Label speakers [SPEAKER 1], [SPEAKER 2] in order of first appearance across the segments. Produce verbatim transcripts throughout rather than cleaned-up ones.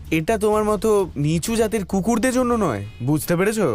[SPEAKER 1] এটা তোমার মতো নিচু জাতের কুকুরদের জন্য নয়, বুঝতে পেরেছো?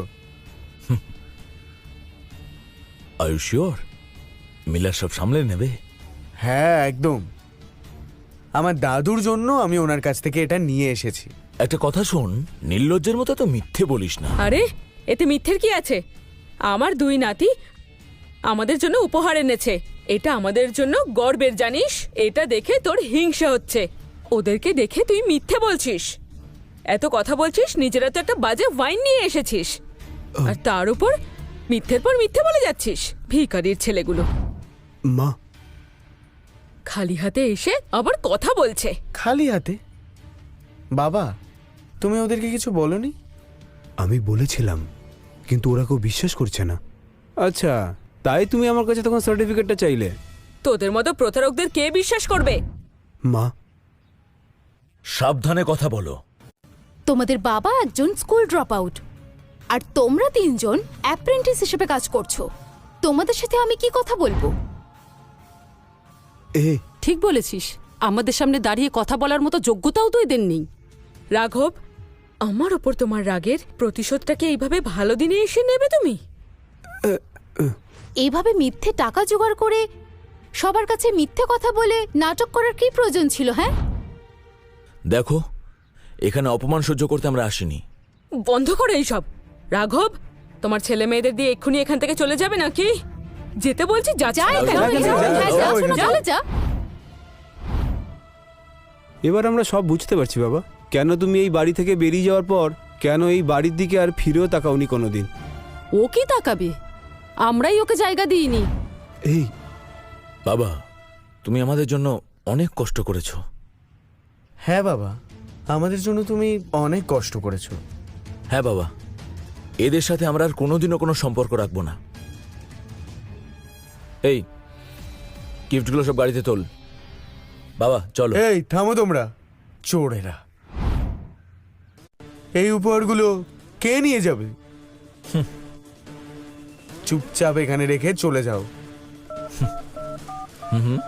[SPEAKER 2] আর ইউ শিওর মিলার সব সামলে নেবে?
[SPEAKER 1] হ্যাঁ একদম। আমার দাদুর জন্য আমি ওনার কাছ থেকে এটা নিয়ে এসেছি।
[SPEAKER 2] একটা কথা শোন, নির্লজ্জের মতো তো মিথ্যে বলিস না।
[SPEAKER 3] আরে এতে মিথ্যের কি আছে? আমার দুই নাতি আমাদের জন্য উপহার এনেছে, এটা আমাদের জন্য গর্বের, জানিস? এটা দেখে তোর হিংসা হচ্ছে, ওদেরকে দেখে তুই মিথ্যে বলছিস। এত কথা বলছিস, নিজেরা তো একটা বাজে ওয়াইন নিয়ে এসেছিস, আর তার উপর মিথ্যের পর মিথ্যে বলে যাচ্ছিস। ভিখারির ছেলেগুলো
[SPEAKER 1] মা,
[SPEAKER 3] খালি হাতে এসে আবার কথা বলছে।
[SPEAKER 1] খালি হাতে? বাবা, তুমি ওদেরকে কিছু বলনি?
[SPEAKER 4] আমি বলেছিলাম, কিন্তু ওরা কেউ বিশ্বাস করছে না।
[SPEAKER 5] আচ্ছা, তাই তুমি আমার কাছে তখন সার্টিফিকেটটা চাইলে?
[SPEAKER 3] তোদের মতো প্রতারকদের কে বিশ্বাস করবে?
[SPEAKER 4] মা,
[SPEAKER 2] সাবধানে কথা বলো।
[SPEAKER 6] তোমাদের বাবা একজন স্কুল ড্রপ আউট, আর তোমরা তিনজন অ্যাপ্রেন্টিস হিসেবে কাজ করছো। তোমাদের সাথে আমি কি কথা বলবো?
[SPEAKER 4] এ
[SPEAKER 7] ঠিক বলেছিস, আমাদের সামনে দাঁড়িয়ে কথা বলার মতো যোগ্যতাও তো এদের নেই।
[SPEAKER 3] রাঘব, আমার ওপর তোমার রাগের প্রতিশোধটাকে এইভাবে ভালো দিনে এসে নেবে তুমি?
[SPEAKER 6] এইভাবে মিথ্যে টাকা জোগাড় করে সবার কাছে মিথ্যে কথা বলে নাটক করার কি প্রয়োজন ছিল? হ্যাঁ,
[SPEAKER 2] দেখো, এখানে অপমান সহ্য করতে আমরা আসিনি।
[SPEAKER 3] বন্ধ করো এইসব। রাঘব, তোমার ছেলে মেয়েদের দিয়ে এক্ষুনি এখান থেকে চলে যাবে নাকি? যেতে বলছি, যা।
[SPEAKER 6] যা এখান
[SPEAKER 1] যা,
[SPEAKER 6] থেকে,
[SPEAKER 1] যা,
[SPEAKER 6] যা,
[SPEAKER 1] যা,
[SPEAKER 6] যা,
[SPEAKER 1] যা,
[SPEAKER 6] শোনো,
[SPEAKER 1] যা।
[SPEAKER 6] চলে যা।
[SPEAKER 5] এবার আমরা সব বুঝতে পারছি বাবা, কেন তুমি এই বাড়ি থেকে বেরিয়ে যাওয়ার পর কেন এই বাড়ির দিকে আর ফিরেও তাকাওনি কোনোদিন।
[SPEAKER 7] ও কি তাকাবে? আমরাই ওকে জায়গা দিইনি।
[SPEAKER 4] এই
[SPEAKER 2] বাবা, তুমি আমাদের জন্য অনেক কষ্ট করেছো।
[SPEAKER 1] হ্যাঁ বাবা, আমাদের জন্য তুমি অনেক কষ্ট করেছো।
[SPEAKER 2] হ্যাঁ বাবা, এদের সাথে আমরা আর কোনোদিনও কোনো সম্পর্ক রাখবো না। এই গিফটগুলো সব গাড়িতে তোল। বাবা চলো।
[SPEAKER 1] এই থামো তোমরা, চোরেরা! এই উপহারগুলো কে নিয়ে যাবে? চুপচাপ এখানে রেখে চলে যাও।
[SPEAKER 2] হুম হুম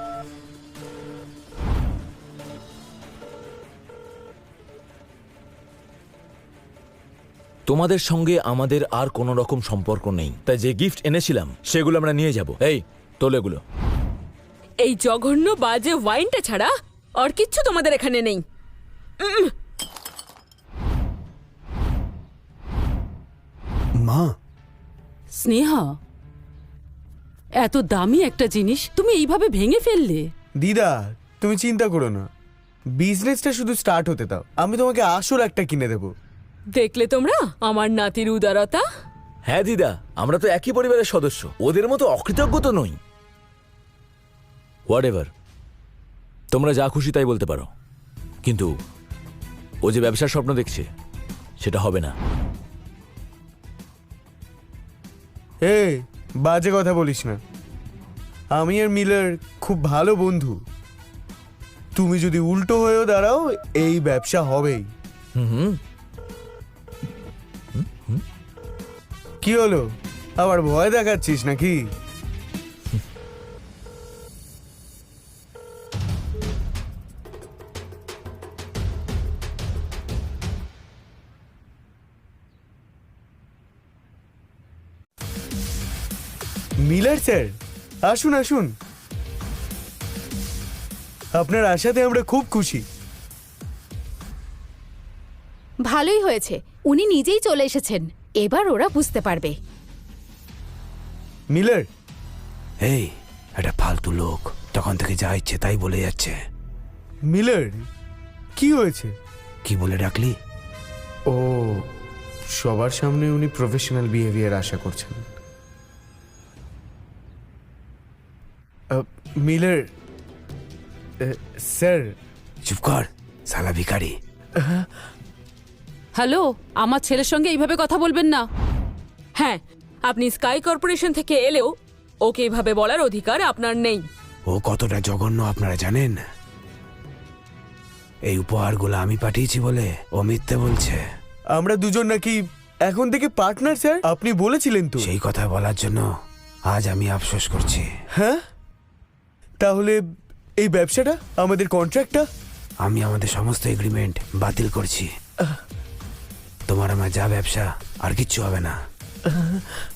[SPEAKER 2] তোমাদের সঙ্গে আমাদের আর কোনো রকম সম্পর্ক নেই, তাই যে গিফট এনেছিলাম সেগুলো আমরা নিয়ে যাব। এই তোল এগুলো।
[SPEAKER 3] এই জঘন্য বাজে ওয়াইনটা ছাড়া আর কিচ্ছু তোমাদের এখানে নেই। উম,
[SPEAKER 4] মা,
[SPEAKER 7] স্নেহা, এত দামি একটা জিনিস তুমি এইভাবে ভেঙে ফেললে।
[SPEAKER 1] দিদা, তুমি চিন্তা করো না, বিজনেসটা শুধু স্টার্ট হতে দাও, আমি তোমাকে আসল একটা কিনে দেবো।
[SPEAKER 3] দেখলে তোমরা আমার নাতির উদারতা?
[SPEAKER 2] হ্যাঁ দিদা, আমরা তো একই পরিবারের সদস্য, ওদের মতো অকৃতজ্ঞ তো নই। হোয়াট এভার, তোমরা যা খুশি তাই বলতে পারো, কিন্তু ও যে ব্যবসার স্বপ্ন দেখছে সেটা হবে না।
[SPEAKER 1] এই বাজে কথা বলিস না, আমি আর মিলার খুব ভালো বন্ধু। তুমি যদি উল্টো হয়েও দাঁড়াও, এই ব্যবসা হবেই।
[SPEAKER 2] হুম হুম
[SPEAKER 1] কি হলো, আবার ভয় দেখাচ্ছিস নাকি? মিলার স্যার, আসুন আসুন। আপনার আশাতে আমরা খুব খুশি।
[SPEAKER 6] ভালোই হয়েছে, উনি নিজেই চলে এসেছেন, এবার ওরা বুঝতে পারবে।
[SPEAKER 1] মিলার,
[SPEAKER 4] এই একটা ফালতু লোক, তখন থেকে যা ইচ্ছে তাই বলে যাচ্ছে।
[SPEAKER 1] মিলার কি হয়েছে?
[SPEAKER 4] কি বলে ডাকলি?
[SPEAKER 1] ও, সবার সামনে উনি প্রফেশনাল বিহেভিয়ার আশা করছেন। Ah, Miller ah, sir.
[SPEAKER 4] চুপ কর, শালা ভিখারি।
[SPEAKER 7] হ্যালো, আমার ছেলের সঙ্গে এইভাবে কথা বলবেন না।
[SPEAKER 3] হ্যাঁ, আপনি স্কাই কর্পোরেশন থেকে এলেও ওকে এইভাবে বলার অধিকার আপনার নেই।
[SPEAKER 4] ও কতটা জঘন্য আপনারা জানেন? এই উপহারগুলো আমি পাঠিয়েছি বলে ও মিথ্যে বলছে।
[SPEAKER 1] আমরা দুজন নাকি এখন থেকে পার্টনার স্যার, আপনি বলেছিলেন তো।
[SPEAKER 4] সেই কথা বলার জন্য আজ আমি আফসোস করছি।
[SPEAKER 1] হ্যাঁ, তাহলে এই ব্যবসাটা, আমাদের কন্ট্রাক্টটা
[SPEAKER 4] আমি আমাদের সমস্ত এগ্রিমেন্ট বাতিল করছি। তোমার আমার যা ব্যবসা আর কিচ্ছু হবে না।